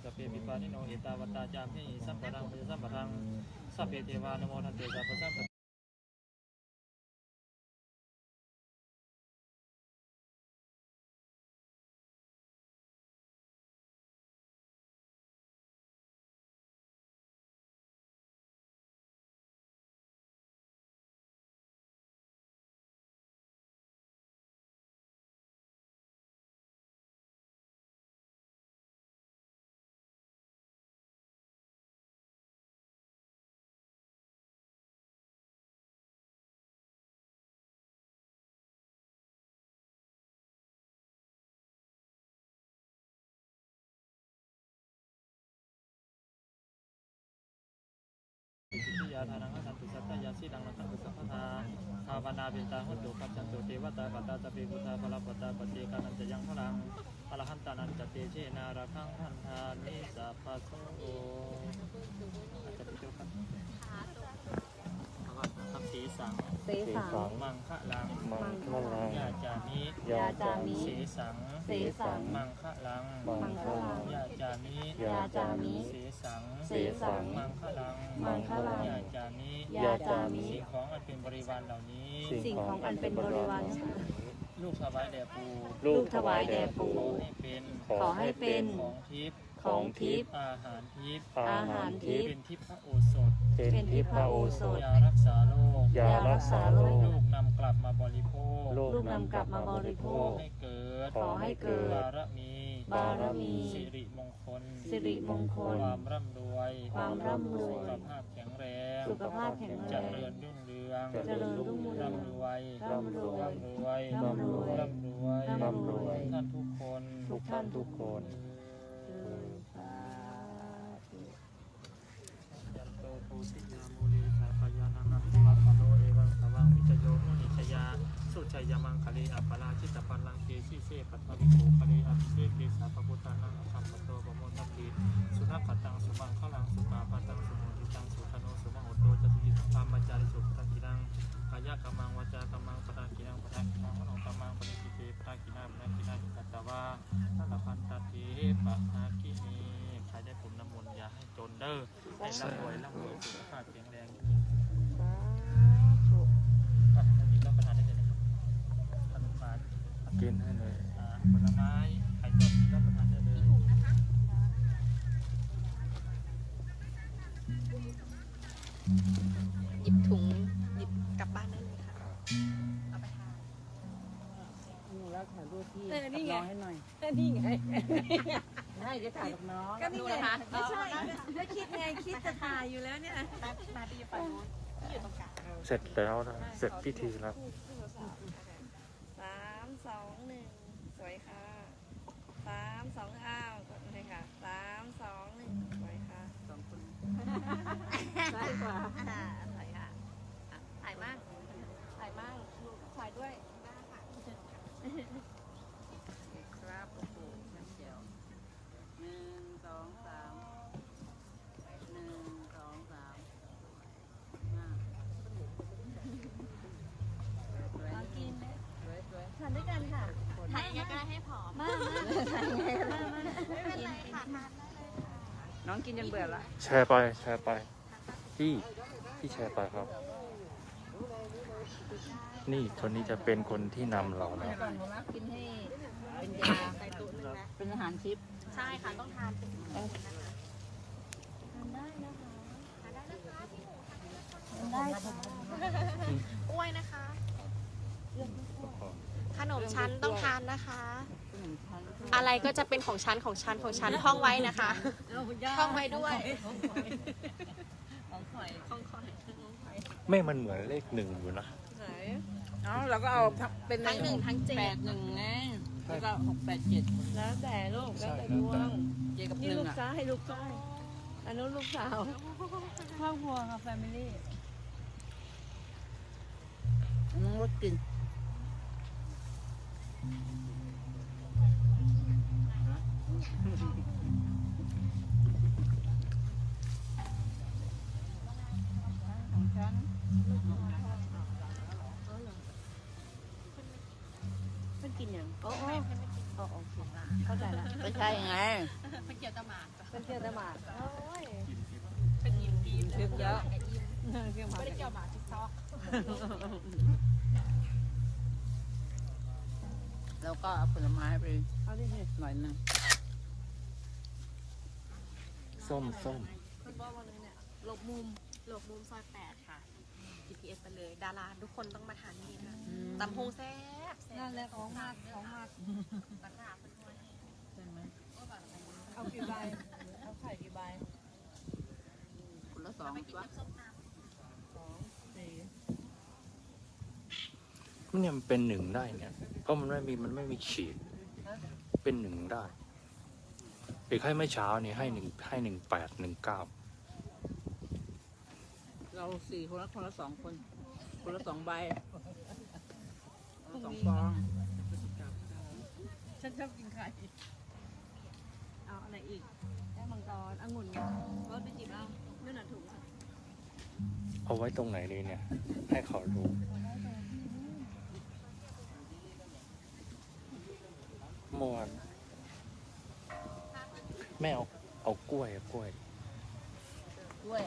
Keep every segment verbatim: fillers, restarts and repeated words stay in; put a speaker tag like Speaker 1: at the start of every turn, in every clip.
Speaker 1: สเปปิปานิโนเอตาวตาจามหิสัมปะทังสัมปะทังสัพเพเทวานโมทันเตสัพพะสัมปะยาทานังขันตุสัตตยาสีดังนังขันตุสัพพทาภาวนาเบตาหุตุขัจจันตุเทวตาปัตตาสเปพุทธาภลปตาปฏิกานันจะยังพลังอรหันตานันจะเตเชนาราคังพันธานิสัพพะโสอาจจะไปดูกันครับสีสัง
Speaker 2: เสสัง
Speaker 1: มังคะลัง
Speaker 2: มังคะลัง
Speaker 1: ยาจามิ
Speaker 2: ยาจามิ
Speaker 1: สีสัง
Speaker 2: เสสัง
Speaker 1: มังคะลัง
Speaker 2: มังคะลัง
Speaker 1: ยาจามิ
Speaker 2: ยาจามิ
Speaker 1: สีสัง
Speaker 2: เสสัง
Speaker 1: มังคะลัง
Speaker 2: มังคะลัง
Speaker 1: ยาจามิ
Speaker 2: ยาจามิ
Speaker 1: สิ่งของอันเป็นบริวารเหล่านี้
Speaker 2: สิ่งของอันเป็นบริวาร
Speaker 1: ลูกถวายแด่ปู่
Speaker 2: ลูกถวายแด่ปู่
Speaker 1: ขอให้เป็น
Speaker 2: ขอให้เป็น
Speaker 1: ของทิพย์
Speaker 2: ของทิพย์
Speaker 1: อาหารทิพย์
Speaker 2: อาหารทิพย์
Speaker 1: เป็นทิพย์พระโอสถ
Speaker 2: เป็นทิพย์พระโอสถ
Speaker 1: ยารักษาโรค
Speaker 2: ยารักษาโรค
Speaker 1: ลูกนำกลับมาบริโภค
Speaker 2: ลูกนำกลับมาบริโภ
Speaker 1: ขอ
Speaker 2: ค
Speaker 1: ให้เกิด
Speaker 2: ขอให้เกิด
Speaker 1: บารมี
Speaker 2: บารมี
Speaker 1: สิริมงคล
Speaker 2: สิริมงคล
Speaker 1: ความร่ำรวย
Speaker 2: ความร่ำรวย
Speaker 1: สุขภาพแข็งแรง
Speaker 2: สุขภาพแข็งแรง
Speaker 1: เจริญรุ่งเรือง
Speaker 2: เจริญรุ่งเรือง
Speaker 1: ร่ำรวย
Speaker 2: ร่ำรวย
Speaker 1: ร่ำรวย
Speaker 2: ร่ำรวย
Speaker 1: ร่ำรวย
Speaker 2: ร่ำรวย
Speaker 1: ท่านทุกคน
Speaker 2: ทุกท่านทุกคน
Speaker 1: ยันโตปูสิยามูลีสาพยานังอัปปะคะโลเอวังสวังวิจโยโหนิชยาสุชัยยมังคะเลอัปปะราชิตปันลังเกสิเสปัตตวิโภคะเลอัปเสเกสาปพุทธานังอัมปะโตปโมทัพพิสุนัขขตังสุมังขลังสุปาปัตังสุโมทิตังสุธโนสุมโหโตจตุยิธรรมจาริสุปตังกินังกายกัมมังวาจากัมมังปตังกินังปตังกินังมโนกัมมังปณิทิเตปตังกินังปตังกินังกัตตวาทัลพันตเถปะนาคินีใครได้ผมน้ำมนต์อย่าให้จนเด้อให้ร่ำรวยร่ำรวยสุขภาพแข็งแรงอ่ะกินรับประทานได้เลยนะครับขนมหวาน
Speaker 2: กินให้เลย
Speaker 1: อ่าผลไม้ไข่ต้มรับประทานได้เลย
Speaker 3: หยิบถุงหยิบกลับบ้านได้เลยค่ะเอาไปทาน
Speaker 4: หนูแล้วถ่ายรูปพี่
Speaker 3: เออนี่ไง
Speaker 4: กับน้องให้หน่อย
Speaker 3: นี่ไง
Speaker 4: ได้จะถ่ายกับน้อง
Speaker 3: ก็นี่ไงไม่ใช่ไม่คิดไงคิดจะถ่ายอยู่แล้วเนี่ยมาดีฝั่งนู้นที่อยู่ตรงกลาง
Speaker 2: เสร็จแล้วนะเสร็จพิธีแล้ว
Speaker 3: สามสองหนึ่งสวยค่ะสามสองอ้าวกดเลยค่ะสามสองหนึ่งสวยค่ะสองคนได้กว่าอ่าสวยค่ะอ่ะถ่ายมากถ่ายมากลูกถ่ายด้วยได้ค่ะครับโอ้โหชั้นเจียวหนึ่งสองสามหนึ่งสองสามมาลองกินไหมทานด้วยกันค่ะถ่ายยังไงให้ผอมมามาถ่ายยังไงมามาไม่เป็นไรค่ะทานได้เลยค่ะน้องกินจนเบื่อละ
Speaker 2: แชร์ไปแชร์ไปพี่พี่แชร์ไปครับ นี่คนนี้จะเป็นคนที่นำเรานะ
Speaker 4: ก่อนหนูนะกินให้เป็นยา
Speaker 3: ใส่ตู้นึงนะ
Speaker 4: เป็นอาหารชิป
Speaker 3: ใช่ค่ะต้องทานเป็นนะคะ
Speaker 4: ทานได้นะคะ
Speaker 3: ทานได้นะคะพี่หมูทานได้นะคะ
Speaker 4: ทานได้ค่ะ
Speaker 3: กล้วยนะคะ ขนมชั้นต้องทานนะคะ
Speaker 4: ขนมชั้น
Speaker 3: อะไรก็จะเป็นของชั้นของชั้นของชั้นท่องไว้นะคะ ท่องไว้ด้วย
Speaker 4: ของข่อย
Speaker 3: ของคอยของคอย
Speaker 2: ไม่มันเหมือนเลขหนึ่งอยู่นะ
Speaker 3: ไหน
Speaker 4: เอ้าเราก็เอาเป็น
Speaker 3: ทั้งหนึ่งทั้งเจ็ด
Speaker 4: แปดหนึ่งไงแล้วก็หกแปดเจ็ด
Speaker 5: แล้วแต่ลูกแล้วแต่ดวง
Speaker 4: เจ็ดกับห
Speaker 5: นี่
Speaker 4: นึ่ง
Speaker 5: ลูก
Speaker 4: อ่ะ
Speaker 5: ซ้ายให้ลูกซ้ายอันนู้นลูกสาวครอบครัวค่ะแฟมิลี่
Speaker 4: น้องรถกินของฉัน
Speaker 5: เพิ่นกินอย่างโอ้โอ้อ๋อโอเคเข้าใจละ
Speaker 4: ไม่ใช่ไง
Speaker 5: เป็นเกียรติหมาดเป็นเกียรติหมาดโอ้ย
Speaker 4: ถึงแล้ว
Speaker 5: ไม่ได้เกี่ยวหมาทิกตอก
Speaker 4: แล้วก็เอาผลไม้ไป
Speaker 5: เอาดิ
Speaker 4: หน่อยหนึง
Speaker 2: ส้มส้ม
Speaker 5: คุณบอกว่าเลยเนี่ย
Speaker 6: หลบมุมหลบมุมซอยแปดค่ะ จี พี เอส ไปเลย ดาราทุกคนต้องมาทานที่นี่นะตำพงแซ่บแซ่
Speaker 5: นั่
Speaker 6: บ
Speaker 5: นแหละของมากของมาก
Speaker 6: ราคาเป็นถ้วย
Speaker 4: ใช่ไหม
Speaker 5: เอากี่ใบเอาไข่กี่ใบ
Speaker 4: คนละสองตัว
Speaker 5: สองสี่
Speaker 2: เนี่ยมันเป็นหนึ่งได้เนี่ยเพราะมันไม่มีมันไม่มีขีดเป็นหนึ่งได้เด็กให้เมื่อเช้านี่ให้หนึ่งให้หนึ่งแปดหนึ่งเก้า
Speaker 4: เราสี่คนละคนละสองคน คนละสองใบคนละสองฟอง
Speaker 5: ฉันชอบกินไข่เอาอะไรอีกแก้วมังกรองุ่นรสไปจิบเอาเนื้อหนัถุง
Speaker 2: เอาไว้ตรงไหนเลยเนี่ย ให้เขาดูเมื่อวานแม่เอาเอากล้วยเอากล้วย
Speaker 4: ด้วย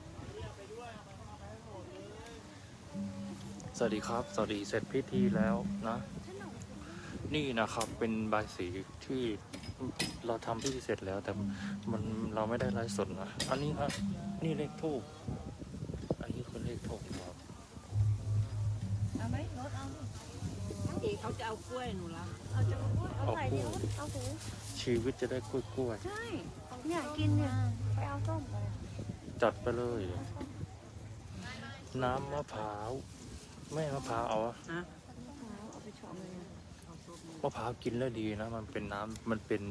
Speaker 2: สวัสดีครับ สวัสดีเสร็จพิธีแล้วนะ นี่นะครับเป็นใบายสีที่เราทำพิธีเสร็จแล้ว แต่มันเราไม่ได้ไลฟ์สดนะอันนี้นะนี่เลขทูบอันนี้คือเลขทูบครับ
Speaker 5: เอาไหมรสเอา
Speaker 4: เอกเขาจะเอากล้วยหนูละ
Speaker 5: เอาจะเอาเอาไข่ดิเอาถุง
Speaker 2: ชีวิตจะได้กล้วยกล้วย
Speaker 5: ใช่เนี่ยกินเนี่ยไปเอาส้มไป
Speaker 2: ๆจัดไปเลย น้ำมะพร้าวแม่มะพร้าวเอาอะ
Speaker 4: ฮะ
Speaker 5: เอาไปชอมเลย
Speaker 2: มะพร้าวกินแล้วดีนะ มันเป็นน้ำมันเป็น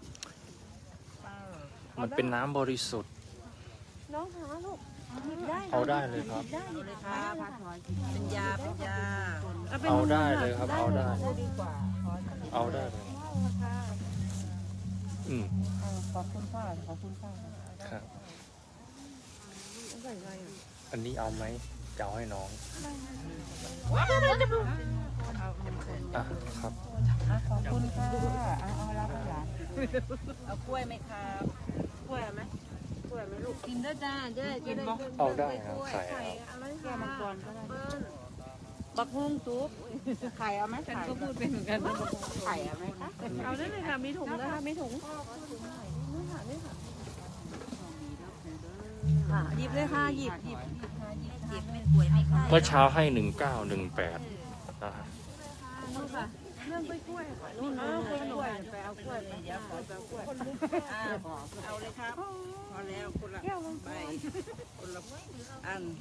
Speaker 2: มันเป็นน้ำบริสุทธิ์
Speaker 5: น้องหาลูกหยิบได้นะ
Speaker 2: เอาได้เลยครับ
Speaker 5: หบได้หยิบได้
Speaker 4: ครับ
Speaker 5: ค่ะ
Speaker 4: เป็นยาเป็นยา
Speaker 5: เป็น
Speaker 2: เอาได้เลยครับเอาได้
Speaker 4: ได้ดีกว่า
Speaker 2: เอาได้เลย
Speaker 5: ราคา
Speaker 2: อืม
Speaker 4: ขอบคุณค่ะขอบคุณค่ะ
Speaker 2: ครับ
Speaker 5: ใส่อะไรอ่ะ
Speaker 2: อันนี้เอาไหมจะเอาให้น้อง
Speaker 4: เอาหนึ่งคน
Speaker 2: อ่ะครับ
Speaker 4: ขอบคุณค่ะเอาเอารับหลานเอากล้วยไหมครับกล้วยไหมกล้วยไหมลูก
Speaker 5: กินได้จ้าจะได้จะได้
Speaker 2: เอาได้ครับใส่เอา
Speaker 5: อะไร
Speaker 4: แก้วมังกรก็ได้
Speaker 5: เปิ้ล
Speaker 4: บักฮุ้งซุปไข่เอาไหม
Speaker 5: ฉัน
Speaker 4: ไข่
Speaker 5: ก็พูดเป็นเหมือนกัน
Speaker 4: ไข่เอาไหมคะ
Speaker 5: เอาได้เลยค่ะมีถุงนะคะมีถุงนี่ค่ะนี่ค่ะค่ะหยิบเลยค่ะหยิบหยิบ
Speaker 4: เจ็บไม่ป่วยไม่ไข้
Speaker 2: เมื่อเช้าให้หนึ่งเก้าหนึ่งแปดนะฮะ
Speaker 5: นู่นค่ะเรื่องกล้วยกล้วยค่ะนู่น
Speaker 4: เอา
Speaker 5: นู่น
Speaker 4: ก
Speaker 5: นู่น
Speaker 4: ล้วยไปเอากล้วยไปเดี๋ยวขอไปเอากล้วยอ้าวเอาเลยครับพอแล้วคนละใบคนละอัน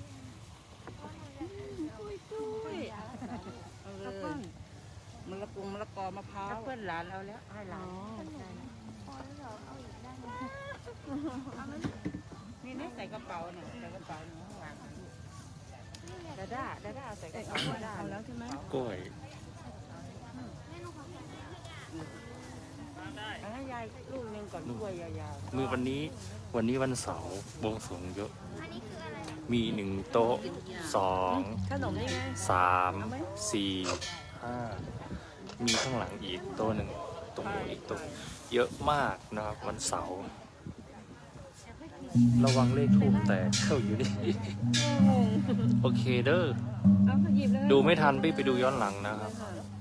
Speaker 4: เอาเลยมะละกงมะละกอมะพร้าวเพื่อนหลานเอาแล้วให้หลานนี่นี่ใส่กระเป๋าเนี่ยใส่กระเป๋าหนูข้างหลังดาด้าดาด้าใส่กระเป๋าดาด้า
Speaker 5: เอาแล้วใช่ไหม
Speaker 2: กล้วย
Speaker 4: เอาให้ยายลูกหนึงก่อนกล้วยยาว
Speaker 2: มือวันนี้วันนี้วันเสาร์บวงสรวงเยอะ มีหนึ่งโต๊ะสอง
Speaker 5: ขนมนี่ไง
Speaker 2: สามสี่ห้ามีข้างหลังอีกโต๊ะหนึ่งตรงนู้นอีกโต๊ะเยอะมากนะครับวันเสาร์ระวังเลขทูบแตกเข้าอยู่นี่ โอเคเด้อ
Speaker 5: เอาหยิบเลย
Speaker 2: ดูไม่ทันพี่ไปดูย้อนหลังนะครับ
Speaker 5: ค่ะ